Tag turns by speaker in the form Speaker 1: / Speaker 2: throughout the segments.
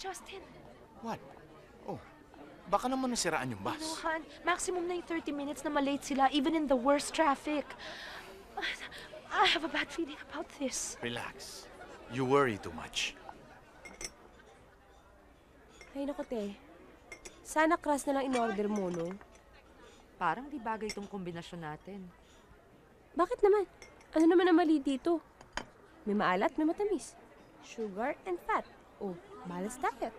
Speaker 1: Justin.
Speaker 2: What? Oh, baka naman nasiraan yung bus.
Speaker 1: No, Han. Maximum na yung 30 minutes na malate sila, even in the worst traffic. I have a bad feeling about this.
Speaker 2: Relax. You worry too much.
Speaker 3: Ay, naku, te. Sana crush na lang in-order mo, no?
Speaker 4: Parang di bagay itong kombinasyon natin.
Speaker 3: Bakit naman? Ano naman ang mali dito? May maalat, may matamis. Sugar and fat. Oh, balanced diet.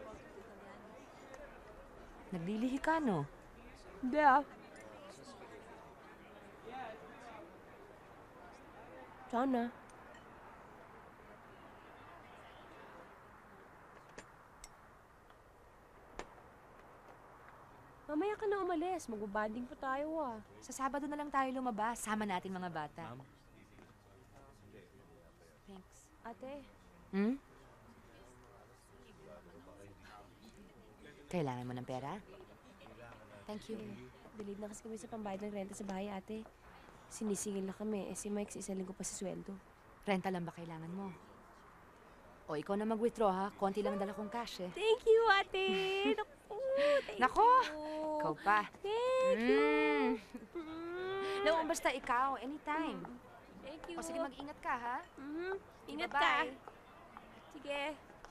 Speaker 4: Naglilihi ka, no?
Speaker 3: Hindi ah. Sana. Mamaya ka na umalis. Magbabanding pa tayo ah.
Speaker 4: Sa Sabado na lang tayo lumabas. Sama natin mga bata. Thanks.
Speaker 3: Ate,
Speaker 4: Hmm? Kailangan mo ng pera? Thank you.
Speaker 3: delayed na kasi kami sa pambayad ng renta sa bahay, ate. Sinisingil na kami. Eh, si Mike sa isang linggo pa sa sweldo.
Speaker 4: Renta lang ba kailangan mo? O, ikaw na mag-withdraw, ha? Konti lang dala kong cash, eh.
Speaker 3: Thank you, ate! Naku, thank
Speaker 4: Nako!
Speaker 3: you!
Speaker 4: Ikaw pa.
Speaker 3: Thank you!
Speaker 4: No, basta ikaw, anytime.
Speaker 3: Thank you.
Speaker 4: O, sige, mag-ingat ka, ha?
Speaker 3: Ingat ka.
Speaker 4: Bye-bye.
Speaker 3: Sige.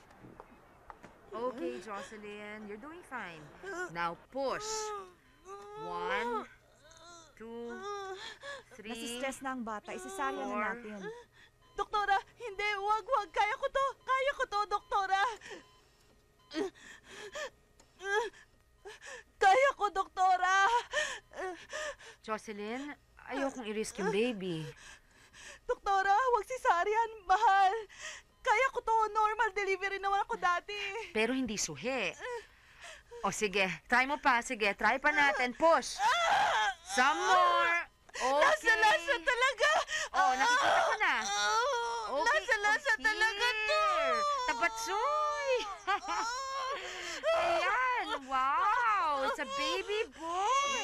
Speaker 4: Okay, Jocelyn, you're doing fine. Now, push. 1, 2, 3,
Speaker 5: Nasistress na ang bata. Isasarya na
Speaker 4: 4.
Speaker 5: natin. Doktora, hindi. Wag. Kaya ko to. Kaya ko to, doktora. Kaya ko, doktora.
Speaker 4: Jocelyn, ayokong i-risk yung baby.
Speaker 5: Doktora, wag cesarean. Mahal. Kaya ko to. Normal delivery naman ako dati.
Speaker 4: Pero hindi suhi. O sige, try mo pa. Sige, try pa natin. Push. Some more. Okay.
Speaker 5: Lasa talaga.
Speaker 4: Oh, nakikita ko na. Okay.
Speaker 5: Lasa
Speaker 4: oh,
Speaker 5: talaga to.
Speaker 4: here. Tabatsoy. Ayan. Wow. It's a baby boy.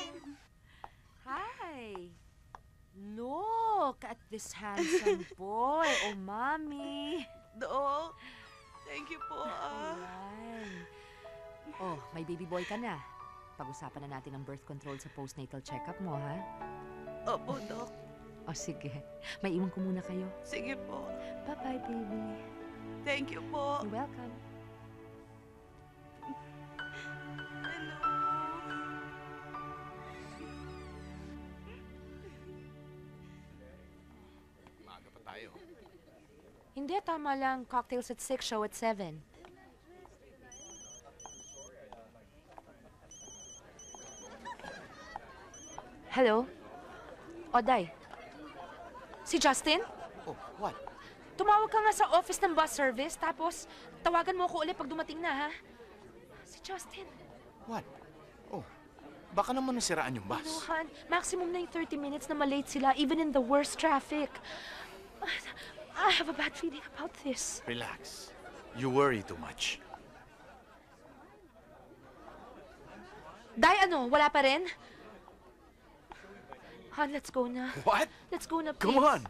Speaker 4: Hi. Look at this handsome boy. Oh, mommy.
Speaker 5: Dok, thank you po.
Speaker 4: Ayan. Oh, may baby boy ka na. Pag-usapan na natin ang birth control sa postnatal check-up mo, ha?
Speaker 5: Opo, Dok.
Speaker 4: O, sige. May iwan ko muna kayo.
Speaker 5: Sige po.
Speaker 4: Bye-bye, baby.
Speaker 5: Thank you po.
Speaker 4: You're welcome.
Speaker 5: Hello.
Speaker 2: Maaga pa tayo.
Speaker 4: Hindi, tama lang. Cocktails at 6, show at 7. Hello? Oday. Si Justin?
Speaker 2: Oh, what?
Speaker 1: Tumawag ka nga sa office ng bus service, tapos tawagan mo ako ulit pag dumating na, ha? Si Justin.
Speaker 2: What? Oh, baka naman nasiraan yung
Speaker 1: No,
Speaker 2: bus.
Speaker 1: Han. Maximum na yung 30 minutes na malate sila, even in the worst traffic. I have a bad feeling about this.
Speaker 2: Relax. You worry too much.
Speaker 1: Day, ano? Wala pa rin? Han, let's go na.
Speaker 2: What?
Speaker 1: Let's go na, please.
Speaker 2: Come on!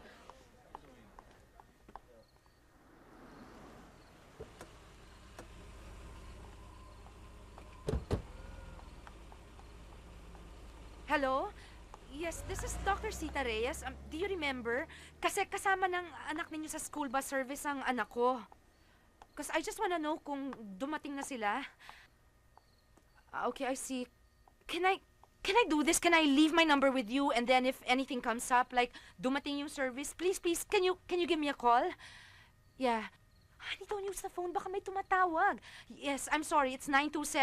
Speaker 1: Hello? Yes, this is Dr. Sita Reyes. Do you remember? Kasi kasama ng anak ninyo sa school bus service ang anak ko. Because I just wanna know kung dumating na sila. Okay, I see. Can I do this? Can I leave my number with you, and then if anything comes up, like dumating yung service, please, can you give me a call? Yeah. Honey, don't use the phone. Baka may tumatawag. Yes, I'm sorry. It's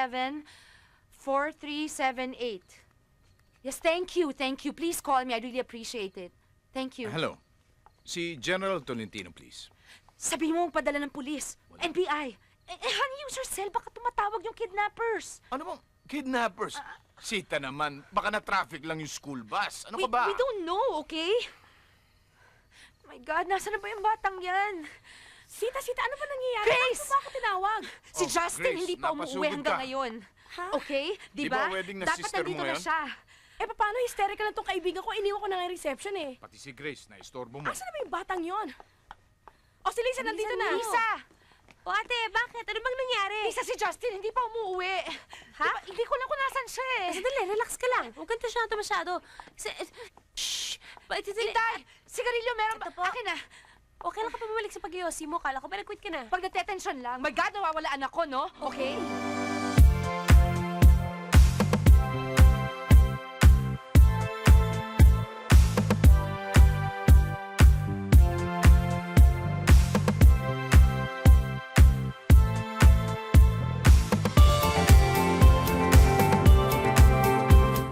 Speaker 1: 927-4378. Yes, thank you. Please call me. I really appreciate it. Thank you.
Speaker 6: Hello. Si General Tolentino, please.
Speaker 1: Sabi mo padala ng pulis. NBI. Honey, use your cell. Baka tumatawag yung kidnappers.
Speaker 6: Ano bang kidnappers? Sita naman, baka na-traffic lang yung school bus. Ano ka ba?
Speaker 1: We don't know, okay? Oh my God, nasa na ba yung batang yan?
Speaker 3: Sita, ano ba nangyayari?
Speaker 1: Grace!
Speaker 3: Bakit mo ba ako tinawag?
Speaker 1: Si
Speaker 6: Oh,
Speaker 1: Justin
Speaker 6: Grace,
Speaker 1: hindi pa umuwi
Speaker 6: napasugod
Speaker 1: hanggang
Speaker 6: ka.
Speaker 1: ngayon.
Speaker 3: Ha?
Speaker 1: Okay? Di
Speaker 6: Di
Speaker 1: ba?
Speaker 6: ba wedding na
Speaker 1: Dapat
Speaker 6: sister mo
Speaker 1: nandito na
Speaker 6: ngayon?
Speaker 1: siya.
Speaker 3: Eh, paano hysterical lang tong kaibigan ko? Iniwan ko na nga yung reception eh.
Speaker 6: Pati si Grace, na-istorbo mo.
Speaker 3: Asa na ba yung batang yon? O, si Lisa nandito na.
Speaker 1: Lisa!
Speaker 3: O ate, bakit? Ano bang nangyari?
Speaker 1: Lisa, si Justin hindi pa umuwi.
Speaker 3: Ha?
Speaker 1: Diba, hindi ko lang kung nasan siya eh.
Speaker 3: Sandali, relax ka lang. Huwag kang tasyado masyado. Shhh! Sandali.
Speaker 1: Itay, sigarilyo meron ba?
Speaker 3: Ito po.
Speaker 1: Akin na.
Speaker 3: Okay lang ka pa bumalik sa pag-iossi mo. Kala ko ba nag-quit ka na?
Speaker 1: Pag natetensyon lang, my God, nawawala anak ko, no? Okay?